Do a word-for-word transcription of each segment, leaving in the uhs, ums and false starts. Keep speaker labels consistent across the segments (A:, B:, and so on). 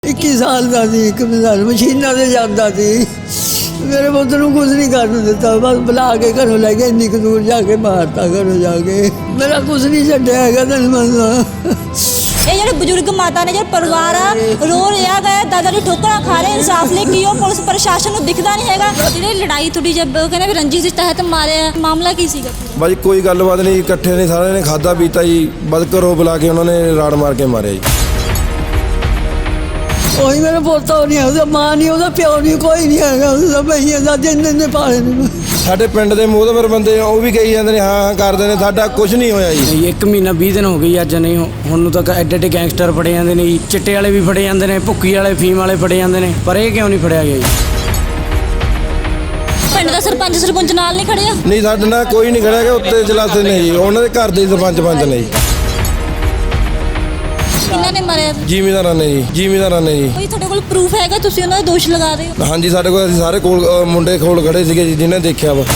A: इक्की साल का सी एक साल मशीनों से जाता सी मेरे पुत्र को कुछ नहीं करने दिता बस बुला के घरों लै गए इन्नी दूर जाके मारता घरों जाके मेरा कुछ नहीं छड्या है तेन मनना
B: ਇਹ ਜਿਹੜੇ ਬਜ਼ੁਰਗ ਮਾਤਾ ਨੇ ਜਿਹੜਾ ਪਰਿਵਾਰ ਆ ਰੋ ਰਿਹਾ ਹੈ ਦਾਦਾ ਦੀ ਠੋਕਰਾਂ ਖਾ ਰਹੇ ਇਨਸਾਫ ਲਈ ਕੀ ਉਹ ਪੁਲਿਸ ਪ੍ਰਸ਼ਾਸਨ ਨੂੰ ਦਿਖਦਾ ਨਹੀਂ ਹੈਗਾ ਜਿਹੜੀ ਲੜਾਈ ਤੁਹਾਡੀ ਜਦ ਉਹ ਕਹਿੰਦੇ ਵੀ ਰੰਜਿਸ਼ ਦੇ ਤਹਿਤ ਮਾਰਿਆ ਮਾਮਲਾ ਕੀ ਸੀਗਾ
C: ਬਾਜੀ ਕੋਈ ਗੱਲਬਾਤ ਨਹੀਂ ਇਕੱਠੇ ਨੇ ਸਾਰਿਆਂ ਨੇ ਖਾਦਾ ਪੀਤਾ ਜੀ ਬਦ ਘਰੋਂ ਬੁਲਾ ਕੇ ਉਹਨਾਂ ਨੇ ਰਾੜ ਮਾਰ ਕੇ ਮਾਰਿਆ ਜੀ
A: ਉਹੀ ਮੇਰਾ ਪੋਤਾ ਨਹੀਂ ਉਹਦਾ ਮਾਂ ਨਹੀਂ ਉਹਦਾ ਪਿਓ ਨਹੀਂ ਕੋਈ ਨਹੀਂ ਹੈਗਾ ਉਹਦਾ ਭਈਆ ਦਾ ਜਿੰਨ ਨੇ ਪਾਲੇ ਨੇ
C: ਸਾਡੇ ਪਿੰਡ ਦੇ ਮੋਹਤਬਰ ਬੰਦੇ ਉਹ ਵੀ ਕਹੀ ਜਾਂਦੇ ਨੇ ਹਾਂ ਹਾਂ ਕਰਦੇ ਨੇ ਸਾਡਾ ਕੁਝ ਨਹੀਂ ਹੋਇਆ ਜੀ
D: ਇੱਕ ਮਹੀਨਾ ਵੀਹ ਦਿਨ ਹੋ ਗਏ ਅੱਜ ਨਹੀਂ ਹੁਣ ਨੂੰ ਤੱਕ ਐਡੇ ਐਡੇ ਗੈਂਗਸਟਰ ਫੜੇ ਜਾਂਦੇ ਨੇ ਜੀ ਚਿੱਟੇ ਵਾਲੇ ਵੀ ਫੜੇ ਜਾਂਦੇ ਨੇ ਭੁੱਕੀ ਵਾਲੇ ਫੀਮ ਵਾਲੇ ਫੜੇ ਜਾਂਦੇ ਨੇ ਪਰ ਇਹ ਕਿਉਂ ਨਹੀਂ ਫੜਿਆ ਗਿਆ ਜੀ
B: ਪਿੰਡ ਦਾ ਸਰਪੰਚ ਸਰਪੰਚ ਨਾਲ ਨਹੀਂ ਖੜਿਆ
C: ਨਹੀਂ ਸਾਡੇ ਨਾਲ ਕੋਈ ਨਹੀਂ ਖੜਿਆ ਕਿ ਉੱਤੇ ਚਲਾਤੇ ਨੇ ਜੀ ਉਹਨਾਂ ਦੇ ਘਰ ਦੇ ਸਰਪੰਚ ਪੰਚ ਨੇ ਜੀ
B: ਕਿਹਨਾਂ ਨੇ ਮਾਰਿਆ
C: ਜ਼ਿਮੀਂਦਾਰਾਂ ਨੇ ਜੀ ਜ਼ਿਮੀਂਦਾਰਾਂ ਨੇ ਜੀ
B: ਕੋਈ ਤੁਹਾਡੇ ਕੋਲ ਪ੍ਰੂਫ ਹੈਗਾ ਤੁਸੀਂ ਉਹਨਾਂ ਦਾ ਦੋਸ਼ ਲਗਾ ਰਹੇ ਹੋ
C: ਹਾਂਜੀ ਸਾਡੇ ਕੋਲ ਅਸੀਂ ਸਾਰੇ ਕੋਲ ਅ, ਮੁੰਡੇ ਕੋਲ ਖੜੇ ਸੀਗੇ ਜੀ ਜਿਹਨੇ ਦੇਖਿਆ ਵਾ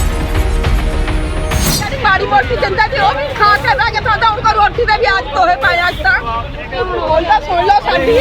E: ਮਾੜੀ ਮੋਟੀ ਦਿੰਦਾ ਤੇ ਉਹ ਵੀ ਖਾ ਕੇ ਬਹਿ ਕੇ ਖਾਂਦਾ ਉਹਨਾਂ ਰੋਟੀ ਦੇ ਵੀ ਅੱਜ ਤੋਹੇ ਪਾਇਆ ਅੱਜ ਤਾਂ ਬੋਲਦਾ ਸੁਣ ਲਓ ਸਾਡੀ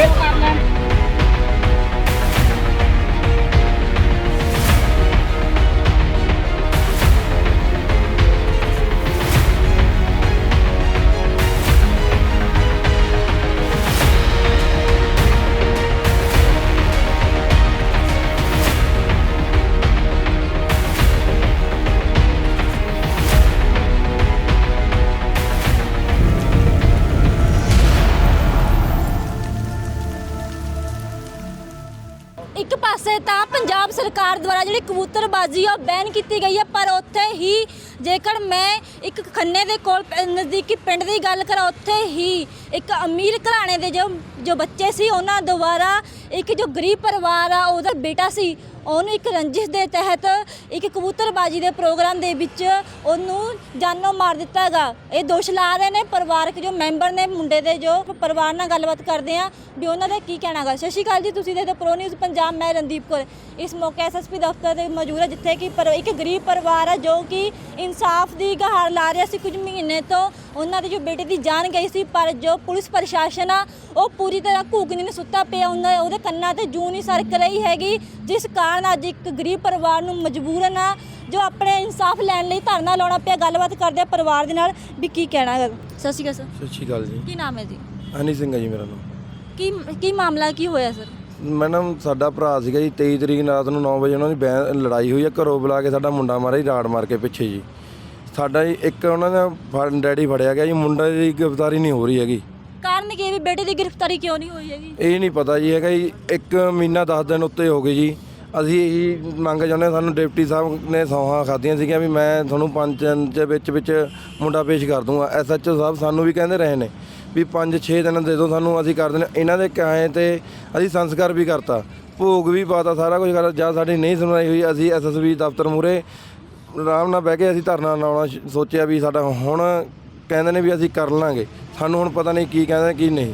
B: ਇੱਕ ਪਾਸੇ ਤਾਂ ਪੰਜਾਬ ਸਰਕਾਰ ਦੁਆਰਾ ਜਿਹੜੀ ਕਬੂਤਰਬਾਜ਼ੀ ਆ ਉਹ ਬੈਨ ਕੀਤੀ ਗਈ ਹੈ ਪਰ ਉੱਥੇ ਹੀ ਜੇਕਰ ਮੈਂ ਇੱਕ ਖੰਨੇ ਦੇ ਕੋਲ ਪ- ਨਜ਼ਦੀਕੀ ਪਿੰਡ ਦੀ ਗੱਲ ਕਰਾਂ ਉੱਥੇ ਹੀ ਇੱਕ ਅਮੀਰ ਘਰਾਣੇ ਦੇ ਜੋ ਜੋ ਬੱਚੇ ਸੀ ਉਹਨਾਂ ਦੁਆਰਾ ਇੱਕ ਜੋ ਗਰੀਬ ਪਰਿਵਾਰ ਆ ਉਹਦਾ ਬੇਟਾ ਸੀ ਉਹਨੂੰ ਇੱਕ ਰੰਜਿਸ਼ ਦੇ ਤਹਿਤ ਇੱਕ ਕਬੂਤਰਬਾਜ਼ੀ ਦੇ ਪ੍ਰੋਗਰਾਮ ਦੇ ਵਿੱਚ ਉਹਨੂੰ ਜਾਨੋਂ ਮਾਰ ਦਿੱਤਾ ਹੈਗਾ ਇਹ ਦੋਸ਼ ਲਾ ਰਹੇ ਨੇ ਪਰਿਵਾਰਕ ਜੋ ਮੈਂਬਰ ਨੇ ਮੁੰਡੇ ਦੇ ਜੋ ਪਰਿਵਾਰ ਨਾਲ ਗੱਲਬਾਤ ਕਰਦੇ ਆ ਵੀ ਉਹਨਾਂ ਦਾ ਕੀ ਕਹਿਣਾ ਹੈਗਾ। ਸਤਿ ਸ਼੍ਰੀ ਅਕਾਲ ਜੀ, ਤੁਸੀਂ ਦੇਖਦੇ ਪ੍ਰੋ ਨਿਊਜ਼ ਪੰਜਾਬ, ਮੈਂ ਰਣਦੀਪ ਕੌਰ। ਇਸ ਮੌਕੇ ਐਸਐਸਪੀ ਦਫ਼ਤਰ ਦੇ ਮੌਜੂਦ ਹੈ ਜਿੱਥੇ ਕਿ ਪਰ ਇੱਕ ਗਰੀਬ ਪਰਿਵਾਰ ਹੈ ਜੋ ਕਿ ਇਨਸਾਫ ਦੀ ਗੁਹਾਰ ਲਾ ਰਿਹਾ ਸੀ ਕੁਝ ਮਹੀਨੇ ਤੋਂ ਉਹਨਾਂ ਦੀ ਜੋ ਬੇਟੇ ਦੀ ਜਾਨ ਗਈ ਸੀ ਪਰ ਜੋ ਪੁਲਿਸ ਪ੍ਰਸ਼ਾਸਨ ਆ ਉਹ ਪੂਰੀ ਤਰ੍ਹਾਂ ਘੂਕਣੀ ਨੂੰ ਸੁੱਤਾ ਪਿਆ ਉਹਨਾਂ ਉਹਦੇ ਕੰਨਾਂ ਤੇ ਜੂੰ ਨਹੀਂ ਸਰਕ ਰਹੀ ਹੈਗੀ ਜਿਸ ਕਾਰਨ ਅੱਜ ਇੱਕ ਗਰੀਬ ਪਰਿਵਾਰ ਨੂੰ ਮਜਬੂਰਨ ਆ ਜੋ ਆਪਣੇ ਇਨਸਾਫ ਲੈਣ ਲਈ ਧਰਨਾ ਲਾਉਣਾ ਪਿਆ। ਗੱਲਬਾਤ ਕਰਦੇ ਆ ਪਰਿਵਾਰ ਦੇ ਨਾਲ ਵੀ ਕੀ ਕਹਿਣਾ ਹੈ। ਸਤਿ ਸ਼੍ਰੀ ਅਕਾਲ ਸਰ।
C: ਸਤਿ ਸ਼੍ਰੀ ਅਕਾਲ ਜੀ।
B: ਕੀ ਨਾਮ ਹੈ ਜੀ?
C: ਹਨੀ ਸਿੰਘ ਹੈ ਜੀ ਮੇਰਾ ਨਾਮ।
B: ਕੀ ਕੀ ਮਾਮਲਾ ਕੀ ਹੋਇਆ ਸਰ?
C: ਮੈਡਮ ਸਾਡਾ ਭਰਾ ਸੀਗਾ ਜੀ ਤੇਈ ਤਰੀਕ ਰਾਤ ਨੂੰ ਨੌ ਵਜੇ ਉਹਨਾਂ ਦੀ ਬੈ ਲੜਾਈ ਹੋਈ ਆ ਘਰੋਂ ਬੁਲਾ ਕੇ ਸਾਡਾ ਮੁੰਡਾ ਮਾਰਿਆ ਜੀ ਰਾੜ ਮਾਰ ਕੇ ਪਿੱਛੇ ਜੀ ਸਾਡਾ ਜੀ ਇੱਕ ਉਹਨਾਂ ਦਾ ਫੜ- ਡੈਡੀ ਫੜਿਆ ਗਿਆ ਜੀ ਮੁੰਡਾ ਦੀ ਗ੍ਰਿਫਤਾਰੀ ਨਹੀਂ ਹੋ ਰਹੀ ਹੈਗੀ।
B: ਕਾਰਨ ਕੀ ਹੈ ਵੀ ਬੇਟੇ ਦੀ ਗ੍ਰਿਫਤਾਰੀ ਕਿਉਂ ਨਹੀਂ ਹੋਈ ਹੈਗੀ?
C: ਇਹ ਨਹੀਂ ਪਤਾ ਜੀ ਹੈਗਾ ਜੀ ਇੱਕ ਮਹੀਨਾ ਦਸ ਦਿਨ ਉੱਤੇ ਹੋ ਗਏ ਜੀ ਅਸੀਂ ਇਹੀ ਮੰਗ ਚਾਹੁੰਦੇ ਹਾਂ ਸਾਨੂੰ ਡਿਪਟੀ ਸਾਹਿਬ ਨੇ ਸੌਹਾਂ ਖਾਧੀਆਂ ਸੀਗੀਆਂ ਵੀ ਮੈਂ ਤੁਹਾਨੂੰ ਪੰਜ ਦਿਨ ਦੇ ਵਿੱਚ ਵਿੱਚ ਮੁੰਡਾ ਪੇਸ਼ ਕਰ ਦੂੰਗਾ। ਐਸ ਐਚ ਓ ਸਾਹਿਬ ਸਾਨੂੰ ਵੀ ਕਹਿੰਦੇ ਰਹੇ ਨੇ ਵੀ ਪੰਜ ਛੇ ਦਿਨ ਦੇ ਦਿਓ ਸਾਨੂੰ ਅਸੀਂ ਕਰ ਦਿੰਦੇ ਇਹਨਾਂ ਦੇ ਕਾਏ ਤੇ ਅਸੀਂ ਸੰਸਕਾਰ ਵੀ ਕਰਤਾ ਭੋਗ ਵੀ ਪਾਤਾ ਸਾਰਾ ਕੁਝ ਕਰ ਜਾਂ ਸਾਡੀ ਨਹੀਂ ਸੁਣਵਾਈ ਹੋਈ ਅਸੀਂ ਐਸ ਐਸ ਬੀ ਦਫ਼ਤਰ ਮੂਹਰੇ ਆਰਾਮ ਨਾਲ ਬਹਿ ਕੇ ਅਸੀਂ ਧਰਨਾ ਲਾਉਣਾ ਸ਼- ਸੋਚਿਆ ਵੀ ਸਾਡਾ ਹੁਣ ਕਹਿੰਦੇ ਨੇ ਵੀ ਅਸੀਂ ਕਰ ਲਾਂਗੇ ਸਾਨੂੰ ਹੁਣ ਪਤਾ ਨਹੀਂ ਕੀ ਕਹਿੰਦੇ ਕੀ ਨਹੀਂ।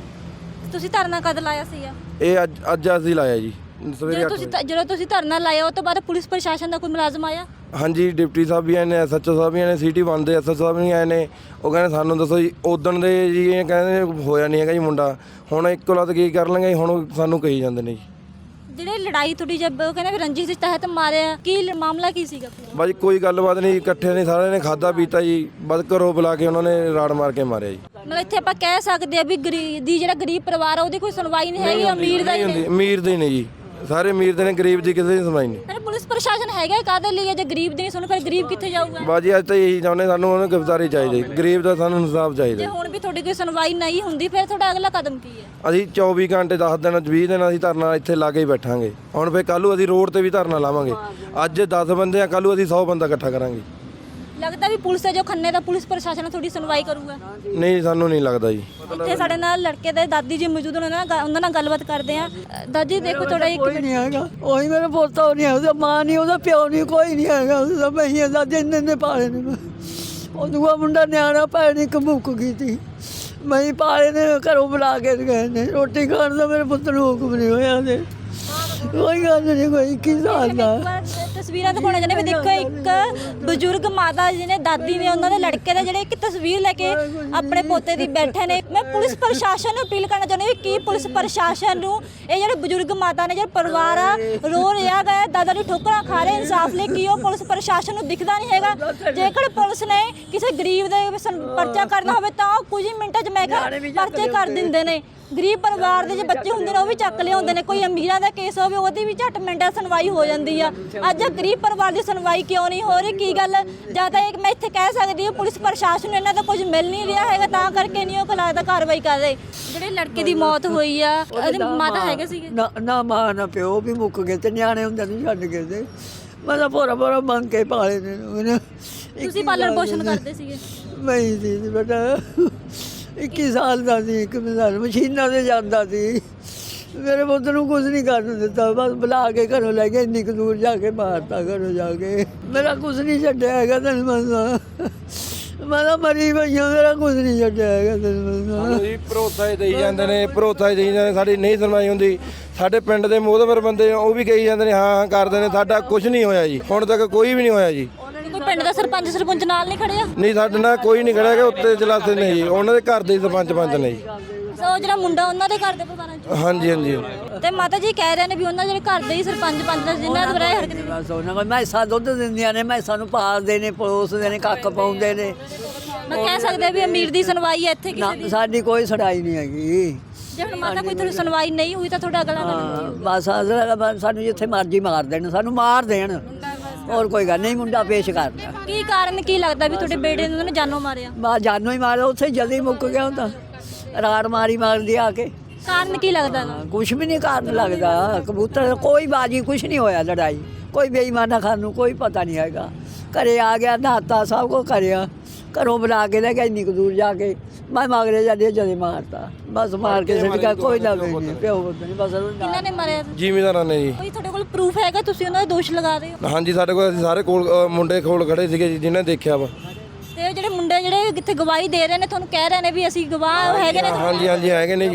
B: ਤੁਸੀਂ ਧਰਨਾ ਕਦ ਲਾਇਆ ਸੀਗਾ?
C: ਇਹ ਅੱਜ ਅੱਜ ਅਸੀਂ ਲਾਇਆ ਜੀ ਸਵੇਰੇ
B: ਜਦੋਂ
C: ਅੱਠ
B: ਤੁਸੀਂ
C: ਵਜੇ।
B: ਧ- ਜਦੋਂ ਤੁਸੀਂ ਧਰਨਾ ਲਾਇਆ ਉਹ ਤੋਂ ਬਾਅਦ ਪੁਲਿਸ ਪ੍ਰਸ਼ਾਸਨ ਦਾ ਕੋਈ ਮੁਲਾਜ਼ਮ ਆਇਆ?
C: ਹਾਂਜੀ ਡਿਪਟੀ ਸਾਹਿਬ ਵੀ ਆਏ ਨੇ ਐਸ ਐਚ ਓ ਸਾਹਿਬ ਵੀ ਆਏ ਨੇ ਸਿਟੀ ਵਨ ਦੇ ਐਸ ਐਚ ਓ ਸਾਹਿਬ ਵੀ ਆਏ ਨੇ ਉਹ ਕਹਿੰਦੇ ਸਾਨੂੰ ਦੱਸੋ ਜੀ ਉਦਣ ਦੇ ਜੀ ਇਹ ਕਹਿੰਦੇ ਹੋਇਆ ਨਹੀਂ ਹੈਗਾ ਜੀ ਮੁੰਡਾ ਹੁਣ ਇੱਕੋ ਲੱਤ ਕੀ ਕਰ ਲਾਂਗੇ ਹੁਣ ਸਾਨੂੰ ਕਹੀ ਜਾਂਦੇ ਨੇ ਜੀ।
B: ਜਿਹੜੇ ਲੜਾਈ ਤੁਹਾਡੀ ਜਦ ਉਹ ਕਹਿੰਦੇ ਵੀ ਰੰਜਿਸ਼ ਦੇ ਤਹਿਤ ਮਾਰਿਆ ਕੀ ਲ- ਮਾਮਲਾ ਕੀ ਸੀਗਾ?
C: ਬਾਜੀ ਕੋਈ ਗੱਲਬਾਤ ਨਹੀਂ ਇਕੱਠੇ ਨੇ ਸਾਰਿਆਂ ਨੇ ਖਾਦਾ ਪੀਤਾ ਜੀ ਬਦ ਘਰੋਂ ਬੁਲਾ ਕੇ ਉਹਨਾਂ ਨੇ ਰਾੜ ਮਾਰ ਕੇ ਮਾਰਿਆ ਜੀ।
B: ਮਤਲਬ ਇੱਥੇ ਆਪਾਂ ਕਹਿ ਸਕਦੇ ਆ ਵੀ ਗਰੀਬ ਦੀ ਜਿਹੜਾ ਗਰੀਬ ਪਰਿਵਾਰ ਆ ਉਹਦੀ ਕੋਈ ਸੁਣਵਾਈ ਨਹੀਂ ਹੈਗੀ ਅਮੀਰ ਦਾ ਹੀ
C: ਨਹੀਂ ਹੁੰਦੀ
B: ਹੈ।
C: ਅਮੀਰ ਦੇ ਨੇ ਜੀ ਸਾਰੇ ਅਮੀਰ ਦੇ ਨੇ ਗਰੀਬ ਦੀ ਕਿਸੇ ਦੀ ਸੁਣਵਾਈ ਨਹੀਂ।
B: ਪਰ ਪੁਲਿਸ ਪ੍ਰਸ਼ਾਸਨ ਹੈਗਾ ਕਾਹਦੇ ਲਈ ਹੈ? ਜੇ ਗਰੀਬ ਦੀ ਨਹੀਂ ਸੁਣ ਫਿਰ ਗਰੀਬ ਕਿੱਥੇ ਜਾਊਗਾ?
C: ਬਾਜੀ ਅੱਜ ਤਾਂ ਇਹੀ ਚਾਹੁੰਦੇ ਸਾਨੂੰ ਉਹਨੂੰ ਗ੍ਰਿਫਤਾਰੀ ਚਾਹੀਦੀ ਗਰੀਬ ਦਾ ਸਾਨੂੰ ਇਨਸਾਫ
B: ਜੇ
C: ਚਾਹੀਦਾ।
B: ਹੁਣ ਵੀ ਤੁਹਾਡੀ ਕੋਈ ਸੁਣਵਾਈ ਨਹੀਂ ਹੁੰਦੀ ਫਿਰ ਤੁਹਾਡਾ ਅਗਲਾ ਕਦਮ ਕੀ ਹੈ?
C: ਅਸੀਂ ਚੌਵੀ ਘੰਟੇ ਦਸ ਦਿਨ ਵੀਹ ਦਿਨ ਅਸੀਂ ਧਰਨਾ ਇੱਥੇ ਲਾ ਕੇ ਹੀ ਬੈਠਾਂਗੇ। ਹੁਣ ਫੇਰ ਕੱਲ੍ਹ ਨੂੰ ਅਸੀਂ ਰੋਡ ਤੇ ਵੀ ਧਰਨਾ ਲਾਵਾਂਗੇ। ਅੱਜ ਦਸ ਬੰਦੇ ਆ ਕੱਲ੍ਹ ਨੂੰ ਅਸੀਂ ਸੌ ਬੰਦਾ ਇਕੱਠਾ ਕਰਾਂਗੇ।
B: ਲੱਗਦਾ ਵੀ ਪੁਲਿਸ ਹੈ ਜੋ ਖੰਨੇ ਦਾ ਪੁਲਿਸ ਪ੍ਰਸ਼ਾਸਨ ਥੋੜੀ ਸੁਣਵਾਈ ਕਰੂਗਾ?
C: ਨਹੀਂ ਸਾਨੂੰ ਨਹੀਂ ਲੱਗਦਾ ਜੀ।
B: ਇੱਥੇ ਸਾਡੇ ਨਾਲ ਲੜਕੇ ਦੇ ਦਾਦੀ ਜੀ ਮੌਜੂਦ ਨੇ ਉਹਨਾਂ ਨਾਲ ਉਹਨਾਂ ਨਾਲ ਗੱਲਬਾਤ ਕਰਦੇ ਆ। ਦਾਦੀ ਦੇਖੋ ਤੁਹਾਡਾ ਇੱਕ
A: ਕੋਈ ਨਹੀਂ ਹੈਗਾ ਉਹੀ ਮੇਰਾ ਪੋਤਾ ਨਹੀਂ ਉਹਦਾ ਮਾਂ ਨਹੀਂ ਉਹਦਾ ਪਿਓ ਨਹੀਂ ਕੋਈ ਨਹੀਂ ਹੈਗਾ ਉਹਦਾ ਭਈਆ ਦਾ ਜਿੰਨ ਨੇ ਪਾਲੇ ਨੇ ਉਹ ਦੂਆ ਮੁੰਡਾ ਨਿਆਣਾ ਭੈਣ ਇੱਕ ਮੁੱਕ ਗਈ ਸੀ ਮੈਂ ਹੀ ਪਾਲੇ ਨੇ ਘਰੋਂ ਬੁਲਾ ਕੇ ਗਏ ਨੇ ਰੋਟੀ ਖਾਣ ਦਾ ਮੇਰੇ ਪੁੱਤ ਨੂੰ ਹੁਕਮ ਨਹੀਂ ਹੋਇਆ ਤੇ ਕੋਈ ਗੱਲ ਨਹੀਂ ਕੋਈ ਇੱਕੀ ਸਾਲ ਦਾ
B: ਤਸਵੀਰਾਂ ਦਿਖਾਉਣਾ ਚਾਹੁੰਦੇ ਵੀ ਦੇਖੋ ਇੱਕ ਬਜ਼ੁਰਗ ਮਾਤਾ ਜੀ ਨੇ ਦਾਦੀ ਨੇ ਉਹਨਾਂ ਦੇ ਲੜਕੇ ਦੇ ਜਿਹੜੇ ਇੱਕ ਤਸਵੀਰ ਲੈ ਕੇ ਆਪਣੇ ਪੋਤੇ ਦੀ ਬੈਠੇ ਨੇ। ਮੈਂ ਪੁਲਿਸ ਪ੍ਰਸ਼ਾਸਨ ਨੂੰ ਅਪੀਲ ਕਰਨਾ ਚਾਹੁੰਦੀ ਵੀ ਕੀ ਪੁਲਿਸ ਪ੍ਰਸ਼ਾਸਨ ਨੂੰ ਇਹ ਜਿਹੜੇ ਬਜ਼ੁਰਗ ਮਾਤਾ ਨੇ ਜਿਹੜਾ ਪਰਿਵਾਰ ਆ ਰੋ ਰਿਹਾ ਗਾ ਦਾਦਾ ਦੀ ਠੋਕਰਾਂ ਖਾ ਰਹੇ ਇਨਸਾਫ ਲਈ, ਕੀ ਉਹ ਪੁਲਿਸ ਪ੍ਰਸ਼ਾਸਨ ਨੂੰ ਦਿਖਦਾ ਨਹੀਂ ਹੈਗਾ? ਜੇਕਰ ਪੁਲਿਸ ਨੇ ਕਿਸੇ ਗਰੀਬ ਦੇ ਸੰ- ਪਰਚਾ ਕਰਨਾ ਹੋਵੇ ਤਾਂ ਉਹ ਕੁਝ ਹੀ ਮਿੰਟਾਂ 'ਚ ਮੈਂ ਕਿਹਾ ਪਰਚੇ ਕਰ ਦਿੰਦੇ ਨੇ। ਗਰੀਬ ਪਰਿਵਾਰ ਦੇ ਜੇ ਬੱਚੇ ਹੁੰਦੇ ਨੇ ਉਹ ਵੀ ਚੱਕ ਲਿਆਉਂਦੇ ਨੇ। ਕੋਈ ਅਮੀਰਾਂ ਦਾ ਕੇਸ ਹੋਵੇ ਉਹਦੀ ਵੀ ਝੱਟ ਮਿੰਟਾਂ ਸੁਣਵਾਈ ਹੋ ਜਾਂਦੀ ਆ। ਅੱਜ ਗਰੀਬ ਪਰਿਵਾਰ ਦੀ ਸੁਣਵਾਈ ਕਿਉਂ ਨਹੀਂ ਹੋ ਰਹੀ? ਕੀ ਗੱਲ? ਜਾਂ ਤਾਂ ਇਹ ਮੈਂ ਇੱਥੇ ਕਹਿ ਸਕਦੀ ਹਾਂ ਪੁਲਿਸ ਪ੍ਰਸ਼ਾਸਨ ਨੂੰ ਇਹਨਾਂ ਦਾ ਕੁਝ ਮਿਲ ਨਹੀਂ ਰਿਹਾ ਹੈਗਾ ਤਾਂ ਕਰਕੇ ਨਹੀਂ ਉਹ ਲੱਗਦਾ ਕਾਰਵਾਈ ਕਰ ਰਹੇ। ਜਿਹੜੇ ਲੜਕੇ ਦੀ ਮੌਤ ਹੋਈ ਆ ਉਹਦੇ ਮਾਤਾ ਹੈਗੇ ਸੀਗੇ?
A: ਨਾ ਨਾ ਮਾਂ ਨਾ ਪਿਓ ਵੀ ਮੁੱਕ ਗਏ ਤੇ ਨਿਆਣੇ ਹੁੰਦੇ ਨੂੰ ਛੱਡ ਕੇ ਤੇ ਮੈਂ ਤਾਂ ਭੋਰਾ ਭੋਰਾ ਮੰਗ ਕੇ ਪਾਲੇ ਨੇ ਉਹਨੇ।
B: ਤੁਸੀਂ ਪਾਲਣ ਪੋਸ਼ਣ ਕਰਦੇ ਸੀਗੇ?
A: ਮੈਂ ਹੀ ਸੀ ਬੇਟਾ, ਇੱਕੀ ਸਾਲ ਦਾ ਸੀ। ਇੱਕ ਮਿਸਾਲ ਮਸ਼ੀਨਾਂ 'ਤੇ ਜਾਂਦਾ ਸੀ। ਮੇਰੇ ਪੁੱਤ ਨੂੰ ਕੁਝ ਨਹੀਂ ਕਰਨ ਦਿੱਤਾ, ਬਸ ਬੁਲਾ ਕੇ ਘਰੋਂ ਲੈ ਕੇ ਇੰਨੀ ਕੁ ਦੂਰ ਜਾ ਕੇ ਮਾਰਤਾ ਘਰੋਂ ਜਾ ਕੇ। ਮੇਰਾ ਕੁਝ ਨਹੀਂ ਛੱਡਿਆ ਹੈਗਾ ਤੈਨੂੰ ਮੰਨਦਾ, ਮੈਂ ਤਾਂ ਮਰੀ ਪਈ ਹਾਂ, ਮੇਰਾ ਕੁਝ ਨਹੀਂ ਛੱਡਿਆ ਹੈਗਾ ਤੈਨੂੰ ਮੰਨਦਾ।
C: ਸਾਨੂੰ ਜੀ ਭਰੋਸਾ ਹੀ ਦੇਈ ਜਾਂਦੇ ਨੇ, ਭਰੋਸਾ ਹੀ ਦੇਈ ਜਾਂਦੇ, ਸਾਡੀ ਨਹੀਂ ਸੁਣਵਾਈ ਹੁੰਦੀ। ਸਾਡੇ ਪਿੰਡ ਦੇ ਮੋਹਤਬਰ ਬੰਦੇ ਉਹ ਵੀ ਕਹੀ ਜਾਂਦੇ ਨੇ ਹਾਂ ਹਾਂ ਕਰਦੇ ਨੇ, ਸਾਡਾ ਕੁਝ ਨਹੀਂ ਹੋਇਆ ਜੀ, ਹੁਣ ਤੱਕ ਕੋਈ ਵੀ ਨਹੀਂ ਹੋਇਆ ਜੀ।
B: ਕੋਈ ਪਿੰਡ ਦਾ ਸਰਪੰਚ ਸਰਪੰਚ ਨਾਲ ਨਹੀਂ ਖੜਿਆ?
C: ਨਹੀਂ ਸਾਡੇ ਨਾਲ ਕੋਈ ਨਹੀਂ ਖੜਿਆ ਕਿ ਉੱਤੇ ਜਲਾਸੇ ਨੇ ਜੀ, ਉਹਨਾਂ ਦੇ ਘਰ ਦੇ ਹੀ ਸਰਪੰਚ ਪੰਚ ਨੇ ਜੀ।
B: ਉਹ ਜਿਹੜਾ ਮੁੰਡਾ ਉਹਨਾਂ ਦੇ ਘਰ ਦੇ ਪਰਿਵਾਰਾਂ ਚ?
C: ਹਾਂਜੀ ਹਾਂਜੀ।
B: ਤੇ ਮਾਤਾ ਜੀ ਕਹਿ ਰਹੇ ਨੇ ਵੀ ਉਹਨਾਂ ਜਿਹੜੇ ਘਰ ਦੇ ਹੀ ਸਰਪੰਚ ਪੰਚ ਦਾ ਜਿਨ੍ਹਾਂ ਦੇ ਬਰਾਏ ਹਰਕਤ
A: ਬਸ ਉਹਨਾਂ ਕੋਲ ਮੈਸਾਂ ਦੁੱਧ ਦਿੰਦੀਆਂ ਨੇ, ਮੈਸਾਂ ਨੂੰ ਪਾਲਦੇ ਨੇ, ਪਲੋਸਦੇ ਨੇ, ਕੱਖ ਪਾਉਂਦੇ ਨੇ।
B: ਮੈਂ ਕਹਿ ਸਕਦੇ ਵੀ ਅਮੀਰ ਦੀ ਸੁਣਵਾਈ ਹੈ ਇੱਥੇ
A: ਨਾ
B: ਕਿਸੇ ਦੀ?
A: ਸਾਡੀ ਕੋਈ ਸੁਣਾਈ ਨਹੀਂ ਹੈਗੀ।
B: ਜੇ ਹੁਣ ਮਾਤਾ ਕੋਈ ਤੁਹਾਡੀ ਸੁਣਵਾਈ ਨਹੀਂ ਹੋਈ ਤਾਂ ਤੁਹਾਡਾ ਅਗਲਾ ਕਦਮ
A: ਹਾਂ, ਬਸ ਅਗਲਾ ਬਸ ਸਾਨੂੰ ਜਿੱਥੇ ਮਰਜ਼ੀ ਮਾਰ ਦੇਣ, ਸਾਨੂੰ ਮਾਰ ਦੇਣ, ਹੋਰ ਕੋਈ ਗੱਲ ਨਹੀਂ। ਮੁੰਡਾ ਪੇਸ਼ ਕਰਦਾ।
B: ਕੀ ਕਾਰਨ ਕੀ ਲੱਗਦਾ ਵੀ ਤੁਹਾਡੇ ਬੇਟੇ ਨੂੰ ਉਹਨਾਂ ਨੇ ਜਾਨੋਂ ਮਾਰਿਆ?
A: ਬਾ ਜਾਨੋਂ ਹੀ ਮਾਰਿਆ, ਉੱਥੇ ਜਲਦੀ ਮੁੱਕ ਗਿਆ ਹੁੰਦਾ। ਰਾੜ ਮਾਰੀ ਮਾਰਦੀ ਆ ਕੇ।
B: ਕਾਰਨ ਕੀ ਲੱਗਦਾ?
A: ਕੁਛ ਵੀ ਨਹੀਂ ਕਾਰਨ ਲੱਗਦਾ। ਕਬੂਤਰ ਕੋਈ ਬਾਜੀ ਕੁਛ ਨਹੀਂ ਹੋਇਆ, ਲੜਾਈ ਕੋਈ ਬੇਈਮਾਨਾ ਖਾਨ ਨੂੰ ਕੋਈ ਪਤਾ ਨਹੀਂ ਹੈਗਾ। ਘਰੇ ਆ ਗਿਆ, ਨਹਾਤਾ, ਸਭ ਕੁਛ ਕਰਿਆ, ਘਰੋਂ ਬੁਲਾ ਕੇ ਲੈ ਗਿਆ ਇੰਨੀ ਕੁ ਦੂਰ ਜਾ ਕੇ। ਮੈਂ ਮਗਰੇ ਜਾਂਦੇ ਜਦੇ ਮਾਰਤਾ, ਬਸ ਮਾਰ ਕੇ ਸਿੱਟ ਗਿਆ। ਕੋਈ ਨਾ ਨਹੀਂ ਪਿਓ ਪੁੱਤ ਨਹੀਂ, ਬਸ
B: ਕਿਹਨਾਂ ਨੇ ਮਾਰਿਆ?
C: ਜ਼ਿਮੀਂਦਾਰਾਂ ਨੇ ਜੀ।
B: ਕੋਈ ਤੁਹਾਡੇ ਕੋਲ ਪ੍ਰੂਫ ਹੈਗਾ? ਤੁਸੀਂ ਉਹਨਾਂ ਦਾ ਦੋਸ਼ ਲਗਾ ਰਹੇ ਹੋ?
C: ਹਾਂਜੀ ਸਾਡੇ ਕੋਲ, ਅਸੀਂ ਸਾਰੇ ਕੋਲ ਅ, ਮੁੰਡੇ ਕੋਲ ਖੜੇ ਸੀਗੇ ਜੀ ਜਿਨ੍ਹਾਂ ਨੇ ਦੇਖਿਆ ਵਾ।
B: ਤੇ ਉਹ ਜਿਹੜੇ ਮੁੰਡੇ ਜਿਹੜੇ ਕਿੱਥੇ ਗਵਾਹੀ ਦੇ ਰਹੇ ਨੇ ਤੁਹਾਨੂੰ ਕਹਿ ਰਹੇ ਨੇ ਵੀ ਅਸੀਂ ਗਵਾਹ ਹੈਗੇ ਨੇ?
C: ਹਾਂਜੀ ਹਾਂਜੀ ਹੈਗੇ ਨੇ ਜੀ।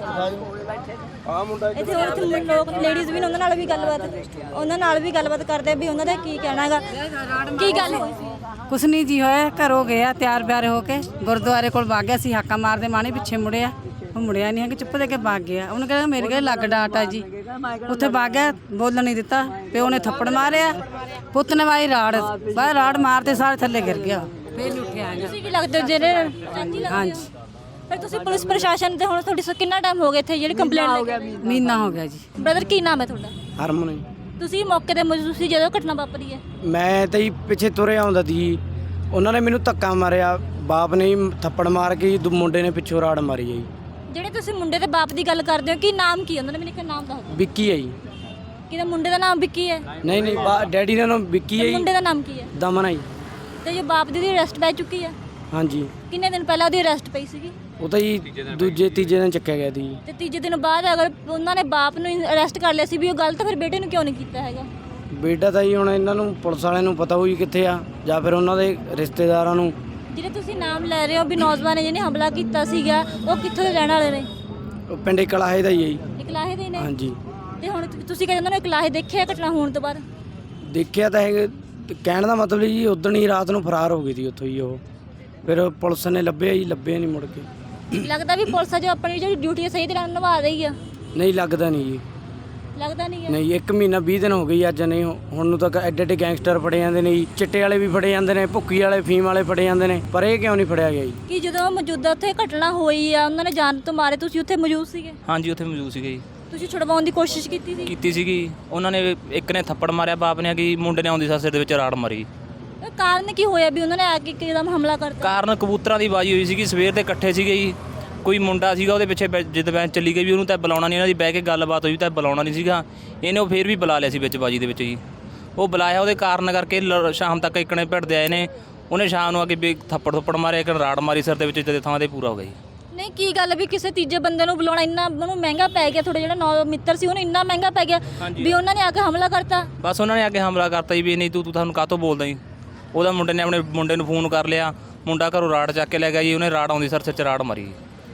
B: ਆ ਮੁੰਡਾ ਇੱਥੇ ਹੋਰ ਇੱਥੇ ਲੋਕ ਲੇਡੀਜ਼ ਵੀ ਨੇ, ਉਹਨਾਂ ਨਾਲ ਵੀ ਗੱਲਬਾਤ ਉਹਨਾਂ ਨਾਲ ਵੀ ਗੱਲਬਾਤ ਕਰਦੇ ਵੀ ਉਹਨਾਂ ਦਾ ਕੀ ਕਹਿਣਾ ਹੈਗਾ। ਕੀ ਗੱਲ ਹੋਈ ਸੀ?
F: ਕੁਛ ਨਹੀਂ ਜੀ ਹੋਇਆ, ਘਰੋਂ ਗਿਆ ਤਿਆਰ ਬਿਆਰ ਹੋ ਕੇ ਗੁਰਦੁਆਰੇ ਕੋਲ ਵਗ ਗਿਆ ਸੀ। ਹਾਕਾ ਮਾਰਦੇ ਮਾਣੇ ਪਿੱਛੇ ਮੁੜਿਆ, ਉਹ ਮੁੜਿਆ ਨਹੀਂ ਹੈ ਕਿ ਚੁੱਪ ਦੇ ਕੇ ਵਗ ਗਿਆ। ਉਹਨੇ ਕਹਿੰਦਾ ਮੇਰੇ ਕੋਲ ਲੱਗ ਡਾਟ ਆ ਜੀ, ਉੱਥੇ ਵਗ ਗਿਆ, ਬੋਲਣ ਨਹੀਂ ਦਿੱਤਾ। ਪਿਓ ਨੇ ਥੱਪੜ ਮਾਰਿਆ, ਪੁੱਤ ਨੇ ਵਾਈ ਰਾੜ, ਬਾਹਰ ਰਾੜ ਮਾਰਦੇ ਸਾਰੇ ਥੱਲੇ ਗਿਰ ਗਿਆ, ਫੇਰ ਨਹੀਂ ਉੱਠਿਆ ਹੈਗਾ।
B: ਤੁਸੀਂ ਕੀ ਲੱਗਦੇ ਹੋ ਜਿਹੜੇ ਚਾਚੀ ਲੱਗਦੇ ਹੋ?
F: ਹਾਂਜੀ।
B: ਫਿਰ ਤੁਸੀਂ ਪੁਲਿਸ ਪ੍ਰਸ਼ਾਸਨ ਤੇ ਹੁਣ ਤੁਹਾਡੀ ਸ- ਕਿੰਨਾ ਟਾਈਮ ਹੋ ਗਿਆ ਇੱਥੇ ਜਿਹੜੀ ਕੰਪਲੇਂਟ ਲੈ ਕੇ?
F: ਮਹੀਨਾ ਹੋ ਗਿਆ ਜੀ।
B: ਬ੍ਰਦਰ ਕੀ ਨਾਮ ਹੈ ਤੁਹਾਡਾ?
D: ਹਰਮਨ ਜੀ।
B: ਤੁਸੀਂ ਮੌਕੇ ਤੇ ਮੌਜੂਦ ਸੀ ਜਦੋਂ ਘਟਨਾ ਵਾਪਰੀ ਹੈ?
D: ਮੈਂ ਤਾਂ ਜੀ ਪਿੱਛੇ ਤੁਰੇ ਆਉਂਦਾ ਸੀ, ਉਹਨਾਂ ਨੇ ਮੈਨੂੰ ਧੱਕਾ ਮਾਰਿਆ, ਬਾਪ ਨੇ ਹੀ ਥੱਪੜ ਮਾਰ ਕੇ ਜੀ, ਦੂ- ਮੁੰਡੇ ਨੇ ਪਿੱਛੋਂ ਰਾੜ ਮਾਰੀ ਹੈ ਜੀ।
B: ਜਿਹੜੇ ਤੁਸੀਂ ਮੁੰਡੇ ਦੇ ਬਾਪ ਦੀ ਗੱਲ ਕਰਦੇ ਹੋ, ਕੀ ਨਾਮ ਕੀ ਹੈ ਉਹਨਾਂ ਨੇ? ਮੈਨੂੰ ਇੱਕ ਨਾਮ ਦੱਸ ਦਿਓ।
D: ਵਿੱਕੀ ਹੈ ਜੀ।
B: ਕਿਹਦਾ ਮੁੰਡੇ ਦਾ ਨਾਮ ਵਿੱਕੀ ਹੈ?
D: ਨਹੀਂ ਨਹੀਂ ਬਾ- ਡੈਡੀ ਦਾ ਨਾਮ ਵਿੱਕੀ ਹੈ
B: ਤੇ
D: ਜੀ,
B: ਮੁੰਡੇ ਦਾ ਨਾਮ ਕੀ ਹੈ?
D: ਦਮਨ ਹੈ ਜੀ।
B: ਤੇ ਜੋ ਬਾਪ ਦੀ ਅਰੈਸਟ ਪੈ ਚੁੱਕੀ ਹੈ?
D: ਹਾਂਜੀ।
B: ਕਿੰਨੇ ਦਿਨ ਪਹਿਲਾਂ ਉਹਦੀ ਅਰੈਸਟ ਪਈ ਸੀਗੀ?
D: ਉਹ ਤਾਂ ਜੀ ਦੂਜੇ ਤੀਜੇ ਦਿਨ ਚੱਕਿਆ ਗਿਆ ਸੀ ਜੀ।
B: ਤੇ ਤੀਜੇ ਦਿਨ ਬਾਅਦ ਅਗਰ ਉਹਨਾਂ ਨੇ ਬਾਪ ਨੂੰ ਅਰੈਸਟ ਕਰ ਲਿਆ ਸੀ ਵੀ ਉਹ ਗਲਤ, ਫਿਰ ਬੇਟੇ ਨੂੰ ਕਿਉਂ ਨਹੀਂ ਕੀਤਾ ਹੈਗਾ?
D: ਬੇਟਾ ਤਾਂ ਜੀ ਹੁਣ ਇਹਨਾਂ ਨੂੰ ਪੁਲਿਸ ਵਾਲਿਆਂ ਨੂੰ ਪਤਾ ਹੋਈ ਕਿੱਥੇ ਆ, ਜਾਂ ਫਿਰ ਉਹਨਾਂ ਦੇ ਰਿਸ਼ਤੇਦਾਰਾਂ ਨੂੰ।
B: ਜਿਹੜੇ ਤੁਸੀਂ ਨਾਮ ਲੈ ਰਹੇ ਹੋ ਵੀ ਨੌਜਵਾਨ ਨੇ ਜਿਹਨੇ ਹਮਲਾ ਕੀਤਾ ਸੀਗਾ, ਉਹ ਕਿੱਥੋਂ ਦੇ ਰਹਿਣ ਵਾਲੇ ਨੇ?
D: ਉਹ ਪਿੰਡ ਕਲਾਹੇ ਦਾ ਹੀ ਹੈ ਜੀ।
B: ਇਕਲਾਹੇ ਦੇ ਨੇ?
D: ਹਾਂਜੀ।
B: ਤੇ ਹੁਣ ਤੁਸੀਂ ਕਹਿੰਦੇ ਉਹਨਾਂ ਨੇ ਇਕਲਾਹੇ ਦੇਖਿਆ ਘਟਨਾ ਹੋਣ ਤੋਂ ਬਾਅਦ?
D: ਦੇਖਿਆ ਤਾਂ ਹੈਗਾ, ਤੇ ਕਹਿਣ ਦਾ ਮਤਲਬ ਜੀ ਉਦਣ ਹੀ ਰਾਤ ਨੂੰ ਫਰਾਰ ਹੋ ਗਈ ਸੀ ਉੱਥੋਂ ਹੀ ਉਹ। ਫਿਰ ਪੁਲਿਸ ਨੇ ਲੱਭਿਆ ਜੀ, ਲੱਭਿਆ ਨਹੀਂ ਮੁੜ ਕੇ।
B: ਲੱਗਦਾ ਵੀ ਪੁਲਿਸ ਆ ਜੋ ਆਪਣੀ ਜਿਹੜੀ ਡਿਊਟੀ ਹੈ ਸਹੀ ਤਰ੍ਹਾਂ ਨਿਭਾ ਰਹੀ ਆ?
D: ਨਹੀਂ ਲੱਗਦਾ ਨਹੀਂ ਜੀ।
B: ਲੱਗਦਾ ਨਹੀਂ ਹੈ?
D: ਨਹੀਂ, ਇੱਕ ਮਹੀਨਾ ਵੀਹ ਦਿਨ ਹੋ ਗਈ ਅੱਜ। ਨਹੀਂ ਹੁਣ ਨੂੰ ਤੱਕ ਐਡੇ ਐਡੇ ਗੈਂਗਸਟਰ ਫੜੇ ਜਾਂਦੇ ਨੇ ਜੀ, ਚਿੱਟੇ ਵਾਲੇ ਵੀ ਫੜੇ ਜਾਂਦੇ ਨੇ, ਭੁੱਕੀ ਵਾਲੇ ਫੀਮ ਵਾਲੇ ਫੜੇ ਜਾਂਦੇ ਨੇ, ਪਰ ਇਹ ਕਿਉਂ ਨਹੀਂ ਫੜਿਆ ਗਿਆ ਜੀ?
B: ਕਿ ਜਦੋਂ ਮੌਜੂਦਾ ਉੱਥੇ ਘਟਨਾ ਹੋਈ ਆ ਉਹਨਾਂ ਨੇ ਜਾਨ ਤੋਂ ਮਾਰੇ, ਤੁਸੀਂ ਉੱਥੇ ਮੌਜੂਦ ਸੀਗੇ?
G: ਹਾਂਜੀ ਉੱਥੇ ਮੌਜੂਦ ਸੀਗੇ ਜੀ।
B: ਤੁਸੀਂ ਛੁਡਵਾਉਣ ਦੀ ਕੋਸ਼ਿਸ਼ ਕੀਤੀ ਸੀ?
G: ਕੀਤੀ ਸੀਗੀ। ਉਹਨਾਂ ਨੇ ਇੱਕ ਨੇ ਥੱਪੜ ਮਾਰਿਆ ਬਾਪ ਨੇ, ਕਿ ਮੁੰਡੇ ਨੇ ਆਉਂਦੀ ਸਿਰ ਦੇ ਵਿੱਚ ਰਾੜ ਮਾਰੀ।
B: ਇਹ ਕਾਰਨ ਕੀ ਹੋਇਆ ਵੀ ਉਹਨਾਂ ਨੇ ਆ ਕੇ ਇੱਕਦਮ ਹਮਲਾ ਕਰਤਾ?
G: ਕਾਰਨ ਕਬੂਤਰਾਂ ਦੀ ਬਾਜੀ ਹੋਈ ਸੀਗੀ, ਸਵੇਰ ਦੇ ਇਕੱਠੇ ਸੀਗੇ ਜੀ। ਕੋਈ ਮੁੰਡਾ ਸੀਗਾ ਉਹਦੇ ਪਿੱਛੇ ਬੈ- ਜਿੱਦ ਬੈਂਚ ਚੱਲੀ ਗਈ ਵੀ ਉਹਨੂੰ ਤਾਂ ਬੁਲਾਉਣਾ ਨਹੀਂ, ਇਹਨਾਂ ਦੀ ਬਹਿ ਕੇ ਗੱਲਬਾਤ ਹੋਈ ਤਾਂ ਬੁਲਾਉਣਾ ਨਹੀਂ ਸੀਗਾ। ਇਹਨੇ ਉਹ ਫੇਰ ਵੀ ਬੁਲਾ ਲਿਆ ਸੀ ਵਿੱਚ ਬਾਜੀ ਦੇ ਵਿੱਚ ਜੀ। ਉਹ ਬੁਲਾਇਆ, ਉਹਦੇ ਕਾਰਨ ਕਰਕੇ ਲ- ਸ਼ਾਮ ਤੱਕ ਇੱਕਣੇ ਭਿੜਦੇ ਆਏ ਨੇ। ਉਹਨੇ ਸ਼ਾਮ ਨੂੰ ਆ ਕੇ ਵੀ ਥੱਪੜ ਥੱਪੜ ਮਾਰਿਆ, ਇੱਕ ਰਾੜ ਮਾਰੀ ਸਿਰ ਦੇ ਵਿੱਚ, ਜਦੇ ਥਾਂ ਤੇ ਪੂਰਾ ਹੋ ਗਿਆ ਜੀ।
B: ਨਹੀਂ ਕੀ ਗੱਲ ਵੀ ਕਿਸੇ ਤੀਜੇ ਬੰਦੇ ਨੂੰ ਬੁਲਾਉਣਾ ਇੰਨਾ ਉਹਨੂੰ ਮਹਿੰਗਾ ਪੈ ਗਿਆ? ਤੁਹਾਡਾ ਜਿਹੜਾ ਨੌ ਮਿੱਤਰ ਸੀ ਉਹਨੂੰ ਇੰਨਾ ਮਹਿੰਗਾ ਪੈ ਗਿਆ ਵੀ ਉਹਨਾਂ ਨੇ ਆ ਕੇ ਹਮਲਾ ਕਰਤਾ?
G: ਬਸ ਉਹਨਾਂ ਨੇ ਆ ਕੇ ਹਮਲਾ ਕਰਤਾ ਜੀ ਵੀ ਨਹੀਂ ਤੂੰ ਤੂੰ ਤੁਹਾਨੂੰ ਕਾਹਤੋਂ ਬੋਲਦਾ ਜੀ। ਉਹਦਾ ਮੁੰਡੇ ਨੇ ਆਪਣੇ ਮੁੰਡੇ ਨੂੰ ਫੋਨ ਕਰ ਲਿਆ, ਮੁੰਡਾ ਘਰੋਂ ਰਾੜ ਚੱਕ ਕੇ ਲੈ ਗਿਆ ਜੀ। ਉਹਨੇ ਰਾੜ ਆਉਂਦੀ ਸਿਰ 'ਚ ਰਾੜ ਮਾਰੀ।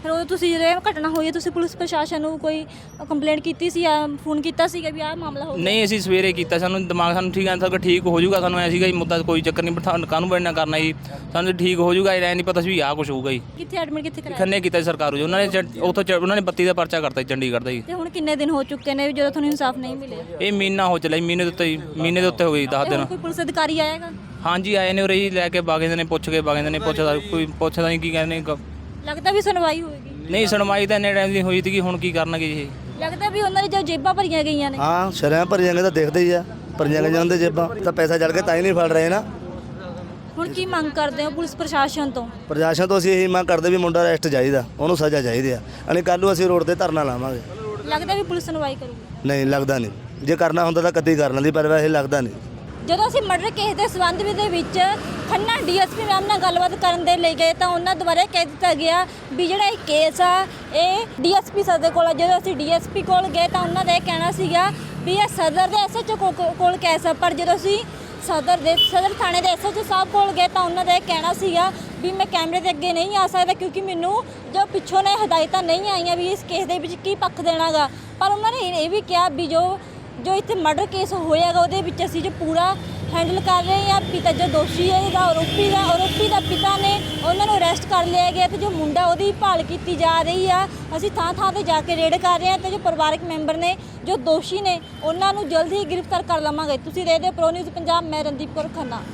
B: ਫਿਰ ਉਹ ਤੁਸੀਂ ਜਦੋਂ ਇਹ ਘਟਨਾ ਹੋਈ ਹੈ ਤੁਸੀਂ ਪੁਲਿਸ ਪ੍ਰਸ਼ਾਸਨ ਨੂੰ ਕੋਈ ਕੰਪਲੇਂਟ ਕੀਤੀ ਸੀ ਜਾਂ ਫੋਨ ਕੀਤਾ ਸੀਗਾ ਵੀ ਆਹ ਮਾਮਲਾ ਹੋ ਗਿਆ?
G: ਨਹੀਂ ਅਸੀਂ ਸਵੇਰੇ ਕੀਤਾ, ਸਾਨੂੰ ਦਿਮਾਗ ਸਾਨੂੰ ਠੀਕ ਆ ਸਰ ਠੀਕ ਹੋ ਜਾਊਗਾ, ਸਾਨੂੰ ਐ ਸੀਗਾ ਜੀ ਮੁੱਦਾ ਕੋਈ ਚੱਕਰ ਨਹੀਂ, ਬਿਠਾ ਕਾਹਨੂੰ ਬੜਨਾ ਕਰਨਾ ਜੀ, ਸਾਨੂੰ ਠੀਕ ਹੋ ਜਾਊਗਾ, ਇਹ ਨਹੀਂ ਪਤਾ ਸੀ ਵੀ ਆਹ ਕੁਝ ਹੋਊਗਾ ਜੀ।
B: ਕਿੱਥੇ ਐਡਮਿਟ ਕਿੱਥੇ ਕਰਾਇਆ?
G: ਖੰਨੇ ਕੀਤਾ ਜੀ ਸਰਕਾਰੂ ਜੀ, ਉਹਨਾਂ ਨੇ ਚ- ਉੱਥੋਂ ਚ- ਉਹਨਾਂ ਨੇ ਬੱਤੀ ਦਾ ਪਰਚਾ ਕਰਤਾ ਜੀ ਚੰਡੀਗੜ੍ਹ ਦਾ ਜੀ।
B: ਤੇ ਹੁਣ ਕਿੰਨੇ ਦਿਨ ਹੋ ਚੁੱਕੇ ਨੇ ਵੀ ਜਦੋਂ ਤੁਹਾਨੂੰ ਇਨਸਾਫ ਨਹੀਂ ਮਿਲਿਆ?
G: ਇਹ ਮਹੀਨਾ ਹੋ ਚੱਲਿਆ ਜੀ, ਮਹੀਨੇ ਦੇ ਉੱਤੇ ਜੀ, ਮਹੀਨੇ ਦੇ ਉੱਤੇ ਹੋ ਗਈ ਦਸ
B: ਤੇ
G: ਦਿਨ।
B: ਹੁਣ ਕੋਈ ਪੁਲਿਸ ਅਧਿਕਾਰੀ ਆਏਗਾ?
G: ਹਾਂਜੀ ਆਏ ਨੇ ਉਰੇ ਜੀ, ਲੈ ਕੇ ਬਾਗੇ ਨੇ, ਪੁੱਛ ਕੇ ਬਾਗੇ ਨੇ, ਪੁੱਛਦਾ ਕੋਈ ਪੁੱਛਦਾ ਨਹੀਂ ਕੀ ਕਹਿੰਦੇ ਗ-
B: ਲੱਗਦਾ ਵੀ ਸੁਣਵਾਈ ਹੋਏਗੀ?
G: ਨਹੀਂ ਸੁਣਵਾਈ ਤਾਂ ਇੰਨੇ ਟਾਈਮ ਦੀ ਹੋਈ ਸੀਗੀ, ਹੁਣ ਕੀ ਕਰਨਗੇ ਜੀ ਇਹ?
B: ਲੱਗਦਾ ਵੀ ਉਹਨਾਂ ਦੀ ਜੋ ਜੇਬਾਂ ਭਰੀਆਂ ਗਈਆਂ ਨੇ।
H: ਹਾਂ ਸ਼ਰਿਆਂ ਭਰੀਆਂ ਗਏ ਤਾਂ ਦੇਖਦੇ ਹੀ ਆ, ਭਰੀਆਂ ਗਈਆਂ ਜਾਂਦੇ ਜੇਬਾਂ ਤਾਂ ਪੈਸਾ ਚੜ ਕੇ ਤਾਂ ਹੀ ਨਹੀਂ ਫੜ ਰਹੇ ਨਾ।
B: ਹੁਣ ਕੀ ਮੰਗ ਕਰਦੇ ਹੋ ਪੁਲਿਸ ਪ੍ਰਸ਼ਾਸਨ ਤੋਂ?
H: ਪ੍ਰਸ਼ਾਸਨ ਤੋਂ ਅਸੀਂ ਇਹੀ ਮੰਗ ਕਰਦੇ ਵੀ ਮੁੰਡਾ ਅਰੈਸਟ ਚਾਹੀਦਾ, ਉਹਨੂੰ ਸਜ਼ਾ ਚਾਹੀਦੀ ਆ, ਅਣੀ ਕੱਲ੍ਹ ਨੂੰ ਅਸੀਂ ਰੋਡ ਤੇ ਧਰਨਾ ਲਾਵਾਂਗੇ।
B: ਲੱਗਦਾ ਵੀ ਪੁਲਿਸ ਸੁਣਵਾਈ ਕਰੂਗੀ?
H: ਨਹੀਂ ਲੱਗਦਾ ਨਹੀਂ, ਜੇ ਕਰਨਾ ਹੁੰਦਾ ਤਾਂ ਕਦੀ ਕਰ ਲੈਂਦੀ, ਪਰ ਵੈਸੇ ਲੱਗਦਾ ਨਹੀਂ।
B: ਜਦੋਂ ਅਸੀਂ ਮਰਡਰ ਕੇਸ ਦੇ ਸੰਬੰਧ ਦੇ ਵਿੱਚ ਖੰਨਾ ਡੀਐਸਪੀ ਮੈਮ ਨਾਲ ਗੱਲਬਾਤ ਕਰਨ ਦੇ ਲਈ ਗਏ ਤਾਂ ਉਹਨਾਂ ਦੁਆਰਾ ਕਹਿ ਦਿੱਤਾ ਗਿਆ ਵੀ ਜਿਹੜਾ ਇਹ ਕੇਸ ਆ ਇਹ ਡੀਐਸਪੀ ਸਰ ਦੇ ਕੋਲ ਆ। ਜਦੋਂ ਅਸੀਂ ਡੀਐਸਪੀ ਕੋਲ ਗਏ ਤਾਂ ਉਹਨਾਂ ਦਾ ਇਹ ਕਹਿਣਾ ਸੀਗਾ ਵੀ ਇਹ ਸਦਰ ਦੇ ਐਸਐਚਓ ਕੋਲ ਕੇਸ ਆ, ਪਰ ਜਦੋਂ ਅਸੀਂ ਸਦਰ ਦੇ ਸਦਰ ਥਾਣੇ ਦੇ ਐਸਐਚਓ ਸਾਹਿਬ ਕੋਲ ਗਏ ਤਾਂ ਉਹਨਾਂ ਦਾ ਇਹ ਕਹਿਣਾ ਸੀਗਾ ਵੀ ਮੈਂ ਕੈਮਰੇ ਦੇ ਅੱਗੇ ਨਹੀਂ ਆ ਸਕਦਾ ਕਿਉਂਕਿ ਮੈਨੂੰ ਜੋ ਪਿੱਛੋਂ ਨੇ ਹਦਾਇਤਾਂ ਨਹੀਂ ਆਈਆਂ ਵੀ ਇਸ ਕੇਸ ਦੇ ਵਿੱਚ ਕੀ ਪੱਖ ਦੇਣਾਗਾ। ਪਰ ਉਹਨਾਂ ਨੇ ਇਹ ਵੀ ਕਿਹਾ ਵੀ ਜੋ ਜੋ ਇੱਥੇ ਮਰਡਰ ਕੇਸ ਹੋਇਆਗਾ ਉਹਦੇ ਵਿੱਚ ਅਸੀਂ ਜੋ ਪੂਰਾ ਹੈਂਡਲ ਕਰ ਰਹੇ ਹਾਂ। ਪਿਤਾ ਜੋ ਦੋਸ਼ੀ ਹੈ ਇਹਦਾ ਆਰੋਪੀ ਦਾ ਆਰੋਪੀ ਦਾ ਪਿਤਾ ਨੇ ਉਹਨਾਂ ਨੂੰ ਅਰੈਸਟ ਕਰ ਲਿਆ ਗਿਆ ਤੇ ਜੋ ਮੁੰਡਾ ਉਹਦੀ ਭਾਲ ਕੀਤੀ ਜਾ ਰਹੀ ਆ। ਅਸੀਂ ਥਾਂ ਥਾਂ ਤੇ ਜਾ ਕੇ ਰੇਡ ਕਰ ਰਹੇ ਹਾਂ ਤੇ ਜੋ ਪਰਿਵਾਰਕ ਮੈਂਬਰ ਨੇ ਜੋ ਦੋਸ਼ੀ ਨੇ ਉਹਨਾਂ ਨੂੰ ਜਲਦੀ ਹੀ ਗ੍ਰਿਫਤਾਰ ਕਰ ਲਵਾਂਗੇ। ਤੁਸੀਂ ਦੇਖਦੇ ਹੋ ਪ੍ਰੋ ਨਿਊਜ਼ ਪੰਜਾਬ, ਮੈਂ ਰਣਦੀਪ ਕੌਰ ਖੰਨਾ।